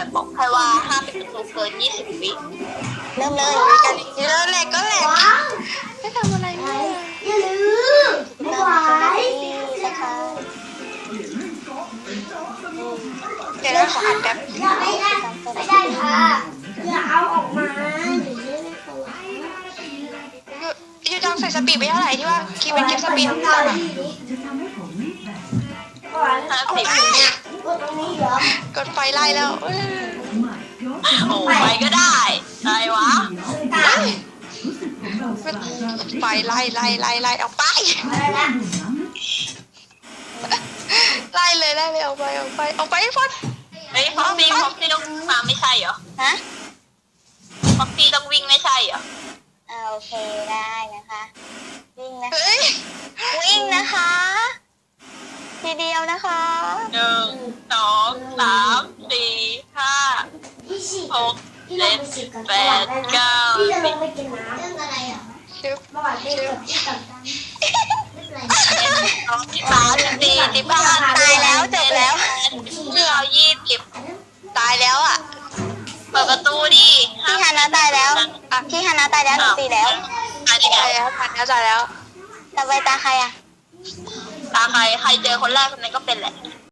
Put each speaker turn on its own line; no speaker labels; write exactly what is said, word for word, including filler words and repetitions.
บอกแค่ว่าห้ามปิดประตูเกินยี่สิบวิ
เริ่มเลยกันเริ่มแหลกก็แหลกไม่ทำอะไรเลย
อย่าลืมไม่ไหว
นะคะเดี๋ยวเราขออัดแป๊บ
อย่าไม่ได้ไม่ได้ค่ะอย่าเอาออกมาหรือไม่ได้ตัว
ยูจองใส่สปีดไปเท่าไหร่ที่ว่าคีเป็นคลิปสปีดของเรา
ก่อน
ห้าสิบ
กดตรงนี้เหรอก
ดไฟไล่แล้ว
โอ้ไปก็ได้อะไรวะ
ตาม
ไฟไล่ไล่ไล่ไล่ออกไป
อะไรนะ
ไล่เลยไล่เลยออกไปออกไปออกไปฟอน
เฮ้ยฟ็อกซี่ฟ็อกซี่ต้องวิ่งมาไม่ใช่เหรอ
ฮะ
ฟ็อกซี่ต้องวิ่งไม่ใช่เหรอ
อ่าโอเคได้นะคะวิ่งนะเฮ้ยวิ่งนะคะ ทีเดียวนะคะ
หนึ่งสองสามสี่ห้า
พี่สิ
หก
พี่ล
เจ็
ง
ด
ไปสิกัน
แปดเก้า
พี่จะ
สิ
ล
บ
งไปกินน้ำเรื่องอะไรอ่ะ
ชึบ
เมื่อวานพี่กับพี่กับตัน
สองสิบสามสิบสี่สิบห้า
ตายแล้วจบแล้ว
เก้ายี่สิบ
ตายแล้วอ่ะ
เปิดประตูดิ
พี่ฮานาตายแล้วอ่ะพี่ฮานาตายแล้วหนูตีแล้ว
ตายได้ไง
ตายแล้วตายแล้วตายแล้วต่อไปตาใครอ่ะ
ตาใครใครเจอคนแรกคนนั้นก็เป็นแหละ